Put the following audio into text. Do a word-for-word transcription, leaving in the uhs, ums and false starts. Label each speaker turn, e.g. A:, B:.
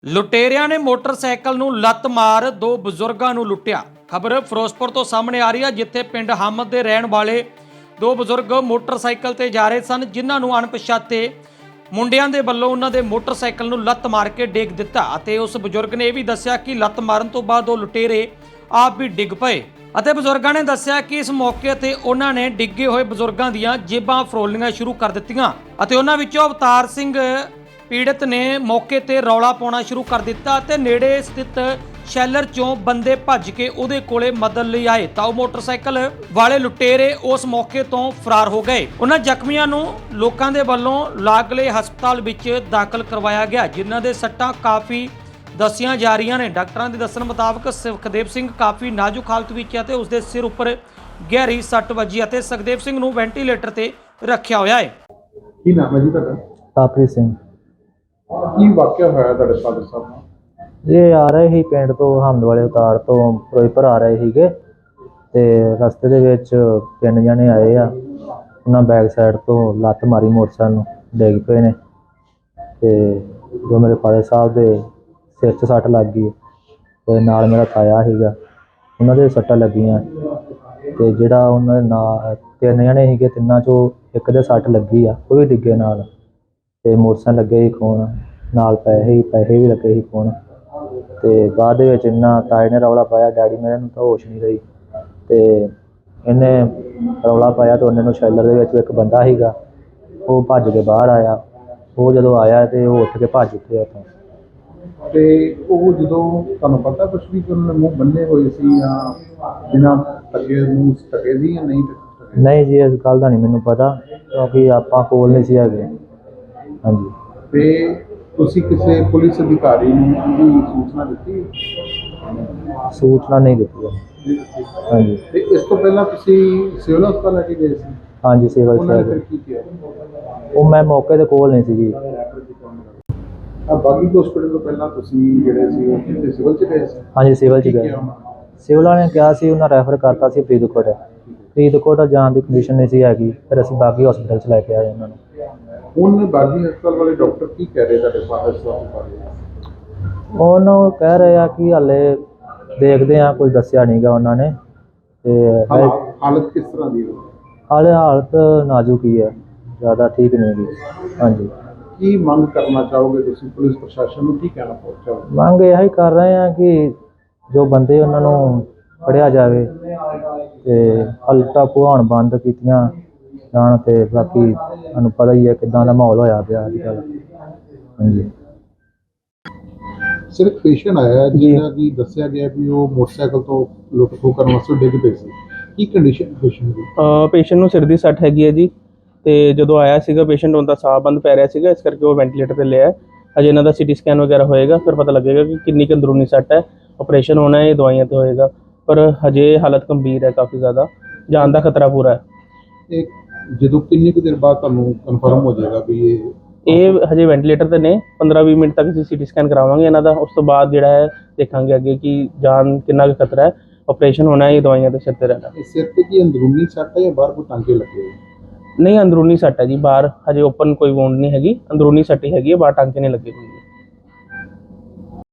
A: ਲੁਟੇਰਿਆਂ ਨੇ ਮੋਟਰਸਾਈਕਲ ਨੂੰ ਲੱਤ ਮਾਰ ਦੋ ਬਜ਼ੁਰਗਾਂ ਨੂੰ ਲੁੱਟਿਆ। ਖਬਰ ਫਿਰੋਜ਼ਪੁਰ ਤੋਂ ਸਾਹਮਣੇ ਆ ਰਹੀ ਹੈ, ਜਿੱਥੇ ਪਿੰਡ ਹਮਦ ਦੇ ਰਹਿਣ ਵਾਲੇ ਦੋ ਬਜ਼ੁਰਗ ਮੋਟਰਸਾਈਕਲ ਤੇ ਜਾ ਰਹੇ ਸਨ, ਜਿਨ੍ਹਾਂ ਨੂੰ ਅਣਪਛਾਤੇ ਮੁੰਡਿਆਂ ਦੇ ਵੱਲੋਂ ਉਹਨਾਂ ਦੇ ਮੋਟਰਸਾਈਕਲ ਨੂੰ ਲੱਤ ਮਾਰ ਕੇ ਡੇਗ ਦਿੱਤਾ ਅਤੇ ਉਸ ਬਜ਼ੁਰਗ ਨੇ ਇਹ ਵੀ ਦੱਸਿਆ ਕਿ ਲੱਤ ਮਾਰਨ ਤੋਂ ਬਾਅਦ ਉਹ ਲੁਟੇਰੇ ਆਪ ਵੀ ਡਿੱਗ ਪਏ ਅਤੇ ਬਜ਼ੁਰਗਾਂ ਨੇ ਦੱਸਿਆ ਕਿ ਇਸ ਮੌਕੇ ਤੇ ਉਹਨਾਂ ਨੇ ਡਿੱਗੇ ਹੋਏ ਬਜ਼ੁਰਗਾਂ ਦੀਆਂ ਜੇਬਾਂ ਫਰੋਲਣੀਆਂ ਸ਼ੁਰੂ ਕਰ ਦਿੱਤੀਆਂ ਅਤੇ ਉਹਨਾਂ ਵਿੱਚੋਂ ਅਵਤਾਰ ਸਿੰਘ ਪੀੜਤ ਨੇ ਮੌਕੇ ਤੇ ਰੌਲਾ ਪਾਉਣਾ ਸ਼ੁਰੂ ਕਰ ਦਿੱਤਾ ਤੇ ਨੇੜੇ ਸਥਿਤ ਸ਼ੈਲਰ ਚੋਂ ਬੰਦੇ ਭੱਜ ਕੇ ਉਹਦੇ ਕੋਲੇ ਮਦਦ ਲਈ ਆਏ ਤਾਂ ਉਹ ਮੋਟਰਸਾਈਕਲ ਵਾਲੇ ਲੁਟੇਰੇ ਉਸ ਮੌਕੇ ਤੋਂ ਫਰਾਰ ਹੋ ਗਏ। ਉਹਨਾਂ ਜ਼ਖਮੀਆਂ ਨੂੰ ਲੋਕਾਂ ਦੇ ਵੱਲੋਂ ਲਾਗਲੇ ਹਸਪਤਾਲ ਵਿੱਚ ਦਾਖਲ ਕਰਵਾਇਆ ਗਿਆ, ਜਿਨ੍ਹਾਂ ਦੇ ਸੱਟਾਂ ਕਾਫੀ ਦੱਸੀਆਂ ਜਾ ਰਹੀਆਂ ਨੇ। ਡਾਕਟਰਾਂ ਦੇ ਦੱਸਣ ਮੁਤਾਬਕ ਸੁਖਦੇਵ ਸਿੰਘ ਕਾਫੀ ਨਾਜ਼ੁਕ ਹਾਲਤ ਵਿੱਚ ਹੈ ਤੇ ਉਸਦੇ ਸਿਰ ਉੱਪਰ ਗਹਿਰੀ ਸੱਟ ਵੱਜੀ ਅਤੇ ਸੁਖਦੇਵ ਸਿੰਘ ਨੂੰ ਵੈਂਟੀਲੇਟਰ ਤੇ ਰੱਖਿਆ ਹੋਇਆ ਹੈ।
B: ਕੀ ਨਾਮ ਹੈ ਜੀ ਤੁਹਾਡਾ?
C: ਕਾਪਰੀ ਸਿੰਘ।
B: ਕੀ ਵਾਕਿਆ ਹੋਇਆ ਤੁਹਾਡੇ ਫਾਦਰ ਸਾਹਿਬ ਨਾਲ?
C: ਇਹ ਆ ਰਹੇ ਸੀ ਪਿੰਡ ਤੋਂ ਹਮਦ ਵਾਲੇ ਉਤਾਰ ਤੋਂ ਫਿਰੋਜ਼ਪੁਰ ਆ ਰਹੇ ਸੀਗੇ ਤੇ ਰਸਤੇ ਦੇ ਵਿੱਚ ਤਿੰਨ ਜਣੇ ਆਏ ਆ। ਉਹਨਾਂ ਬੈਕ ਸਾਈਡ ਤੋਂ ਲੱਤ ਮਾਰੀ, ਮੋਟਰਸਾਈਕਲ ਨੂੰ ਡਿੱਗ ਪਏ ਨੇ ਤੇ ਜੋ ਮੇਰੇ ਫਾਦਰ ਸਾਹਿਬ ਦੇ ਸਿਰ 'ਚ ਸੱਟ ਲੱਗ ਗਈ ਤੇ ਨਾਲ ਮੇਰਾ ਤਾਇਆ ਸੀਗਾ, ਉਹਨਾਂ ਦੇ ਸੱਟਾਂ ਲੱਗੀਆਂ ਤੇ ਜਿਹੜਾ ਉਹਨਾਂ ਦੇ ਨਾਲ ਤਿੰਨ ਜਣੇ ਸੀਗੇ, ਤਿੰਨਾਂ 'ਚੋਂ ਇੱਕ ਦੇ ਸੱਟ ਲੱਗੀ ਆ, ਉਹ ਵੀ ਡਿੱਗੇ ਨਾਲ ਤੇ ਮੋਟਰਸਾਈਕਲ ਲੱਗੇ ਸੀ ਖੋਣ, ਨਾਲ ਪੈਸੇ ਪੈਸੇ ਵੀ ਲੱਗੇ ਸੀ ਖੋਣ। ਤੇ ਬਾਅਦ ਦੇ ਵਿੱਚ ਇਹਨਾਂ ਤਾਏ ਨੇ ਰੌਲਾ ਪਾਇਆ, ਡੈਡੀ ਮੇਰੇ ਨੂੰ ਤਾਂ ਹੋਸ਼ ਨਹੀਂ ਰਹੀ ਤੇ ਇਹਨੇ ਰੌਲਾ ਪਾਇਆ ਤੇ ਉਹਨੇ ਨੂੰ ਸ਼ੈਲਰ ਦੇ ਵਿੱਚ ਇੱਕ ਬੰਦਾ ਸੀਗਾ, ਉਹ ਭੱਜ ਕੇ ਬਾਹਰ ਆਇਆ। ਉਹ ਜਦੋਂ ਆਇਆ ਤੇ ਉਹ ਉੱਠ ਕੇ ਭੱਜ ਉੱਠਿਆ ਉੱਥੋਂ।
B: ਤੇ ਉਹ ਜਦੋਂ ਤੁਹਾਨੂੰ ਪਤਾ ਕੁਛ ਵੀ ਕਿ ਉਹਨਾਂ ਨੇ ਮੂੰਹ ਬੰਨੇ ਹੋਏ ਸੀ ਜਾਂ ਬਿਨਾਂ ਟਕੇ ਮੂੰਹ ਟਕੇ ਸੀ ਜਾਂ ਨਹੀਂ ਟਕੇ?
C: ਨਹੀਂ ਜੀ, ਇਸ ਗੱਲ ਦਾ ਨਹੀਂ ਮੈਨੂੰ ਪਤਾ ਕਿਉਂਕਿ ਆਪਾਂ ਕੋਲ ਨਹੀਂ ਸੀ ਹੈਗੇ। ਹਾਂਜੀ।
B: ਤੇ ਤੁਸੀਂ ਕਿਸੇ ਪੁਲਿਸ ਅਧਿਕਾਰੀ ਨੂੰ ਵੀ ਸੂਚਨਾ ਦਿੱਤੀ?
C: ਸੂਚਨਾ ਨਹੀਂ ਦਿੱਤੀ। ਹਾਂਜੀ।
B: ਤੇ ਇਸ ਤੋਂ ਪਹਿਲਾਂ ਤੁਸੀਂ ਸਿਵਲ ਹਸਪਤਾਲ ਲੈ ਕੇ ਗਏ ਸੀ?
C: ਹਾਂਜੀ, ਸਿਵਲ
B: ਉਹਨਾਂ ਨੇ
C: ਚ।
B: ਫਿਰ ਕੀ ਕੀਤਾ?
C: ਉਹ ਮੈਂ ਮੌਕੇ ਦੇ ਕੋਲ ਨਹੀਂ ਸੀ ਜੀ।
B: ਆ ਬਾਗੀ ਹਸਪਤਾਲ ਤੋਂ ਪਹਿਲਾਂ ਤੁਸੀਂ ਜਿਹੜੇ ਸੀ ਉਹ ਕਿਤੇ ਸਿਵਲ ਚ ਗਏ ਸੀ?
C: ਹਾਂਜੀ, ਸਿਵਲ ਚ
B: ਕੀ
C: ਗਏ।
B: ਕਿਹਾ ਉਹਨਾਂ ਨੇ?
C: ਸਿਵਲ ਵਾਲਿਆਂ ਨੇ ਕਿਹਾ ਸੀ, ਉਹਨਾਂ ਰੈਫਰ ਕਰਤਾ ਸੀ ਫਰੀਦਕੋਟ। ਫਰੀਦਕੋਟ ਜਾਣ ਦੀ ਕੰਡੀਸ਼ਨ ਨਹੀਂ ਸੀ ਹੈਗੀ, ਫਿਰ ਅਸੀਂ ਬਾਗੀ ਹਸਪਤਾਲ 'ਚ ਲੈ ਕੇ ਆਏ ਉਹਨਾਂ ਨੂੰ।
B: ਹੁਣ ਬਾਗੀ ਹਸਪਤਾਲ ਵਾਲੇ ਡਾਕਟਰ ਕੀ ਕਹਿ ਰਹੇ ਤੁਹਾਡੇ ਫਾਦਰ ਸਾਹਿਬ ਬਾਰੇ?
C: ਉਹਨੂੰ ਕਹਿ ਰਹੇ ਆ ਕਿ ਹਾਲੇ ਦੇਖਦੇ ਆ, ਕੁਝ ਦੱਸਿਆ ਨਹੀਂ ਗਾ ਉਹਨਾਂ ਨੇ ਤੇ
B: ਹਾਲਾਤ ਹਾਲਤ ਕਿਸ ਤਰ੍ਹਾਂ ਦੀ ਹੈ?
C: ਹਾਲੇ ਹਾਲਤ ਨਾਜ਼ੁਕ ਹੀ ਹੈ, ਜ਼ਿਆਦਾ ਠੀਕ ਨਹੀਂ ਗੀ। ਹਾਂਜੀ।
B: ਕੀ ਮੰਗ ਕਰਨਾ ਚਾਹੋਗੇ ਤੁਸੀਂ ਪੁਲਿਸ ਪ੍ਰਸ਼ਾਸਨ ਨੂੰ, ਕੀ ਕਹਿਣਾ ਚਾਹੋਗੇ?
C: ਮੰਗ ਇਹ ਹੀ ਕਰ ਰਹੇ ਆ ਕਿ ਜੋ ਬੰਦੇ ਉਹਨਾਂ ਨੂੰ ਫੜਿਆ ਜਾਵੇ ਤੇ ਹਲਟਾ ਪੁਹਾਣ ਬੰਦ ਕੀਤੀਆਂ ਜਾਣ ਤੇ ਬਾਕੀ ਤੁਹਾਨੂੰ ਪਤਾ ਹੀ ਹੈ ਕਿੱਦਾਂ ਦਾ ਮਾਹੌਲ ਹੋਇਆ ਪਿਆ ਅੱਜ ਕੱਲ੍ਹ। ਹਾਂਜੀ।
B: ਸਿਰਫ ਪੇਸ਼ੈਂਟ ਆਇਆ ਜਿਹੜਾ ਕਿ ਦੱਸਿਆ ਗਿਆ ਵੀ ਉਹ ਮੋਟਰਸਾਈਕਲ ਤੋਂ ਲੁੱਟ ਖੋਹ ਕਰਨ ਵਾਸਤੇ ਡਿੱਗ ਪਏ ਸੀ। ਕੀ ਕੰਡੀਸ਼ਨ ਪੇਸ਼ੈਂਟ ਦੀ?
D: ਪੇਸ਼ੈਂਟ ਨੂੰ ਸਿਰ ਦੀ ਸੱਟ ਹੈਗੀ ਹੈ ਜੀ, ਤੇ ਜਦੋਂ ਆਇਆ ਸੀਗਾ ਪੇਸ਼ੈਂਟ ਉਹਦਾ ਸਾਹ ਬੰਦ ਪੈ ਰਿਹਾ ਸੀਗਾ, ਇਸ ਕਰਕੇ ਉਹ ਵੈਂਟੀਲੇਟਰ ਤੇ ਲਿਆ। ਅਜੇ ਇਹਨਾਂ ਦਾ ਸੀਟੀ ਸਕੈਨ ਵਗੈਰਾ ਹੋਏਗਾ, ਫਿਰ ਪਤਾ ਲੱਗੇਗਾ ਕਿ ਕਿੰਨੀ ਕੁ ਅੰਦਰੂਨੀ ਸੱਟ ਹੈ। ਆਪਰੇਸ਼ਨ ਹੋਣਾ ਹੈ, ਦਵਾਈਆਂ ਤੇ ਹੋਏਗਾ, ਪਰ ਹਜੇ ਹਾਲਤ ਗੰਭੀਰ ਹੈ, ਕਾਫੀ ਜ਼ਿਆਦਾ ਜਾਨ ਦਾ ਖਤਰਾ ਪੂਰਾ ਹੈ।
B: ਇਹ ਜਦੋਂ ਕਿੰਨੀ ਕੁ ਦੇਰ ਬਾਅਦ ਤੁਹਾਨੂੰ ਕਨਫਰਮ ਹੋ ਜਾਏਗਾ ਵੀ ਇਹ
D: ਇਹ ਹਜੇ ਵੈਂਟੀਲੇਟਰ ਤੇ ਨੇ? ਪੰਦਰਾਂ ਵੀਹ ਮਿੰਟ ਤੱਕ ਅਸੀਂ ਸੀਟੀ ਸਕੈਨ ਕਰਾਵਾਂਗੇ ਇਹਨਾਂ ਦਾ, ਉਸ ਤੋਂ ਬਾਅਦ ਜਿਹੜਾ ਹੈ ਦੇਖਾਂਗੇ ਅੱਗੇ ਕਿ ਜਾਨ ਕਿੰਨਾ ਕੁ ਖਤਰਾ ਹੈ। ਆਪਰੇਸ਼ਨ ਹੋਣਾ ਹੈ, ਦਵਾਈਆਂ ਤੇ ਸਿਰ ਤੇ ਰਹਿਣਾ।
B: ਸਿਰ ਤੇ ਕੀ ਅੰਦਰੂਨੀ ਸੱਟ ਹੈ ਜਾਂ ਬਾਹਰ ਕੋਈ ਟਾਂਕੇ ਲੱਗੇ ਹੋਏ?
D: ਨਹੀਂ, ਅੰਦਰੂਨੀ ਸੱਟ ਹੈ ਜੀ, ਬਾਹਰ ਹਜੇ ਓਪਨ ਕੋਈ ਵੂੰਡ ਨਹੀਂ ਹੈਗੀ, ਅੰਦਰੂਨੀ ਸੱਟ ਹੀ ਹੈਗੀ ਹੈ, ਬਾਹਰ ਟਾਂਕੇ ਨਹੀਂ ਲੱਗੇ ਹੋਏ।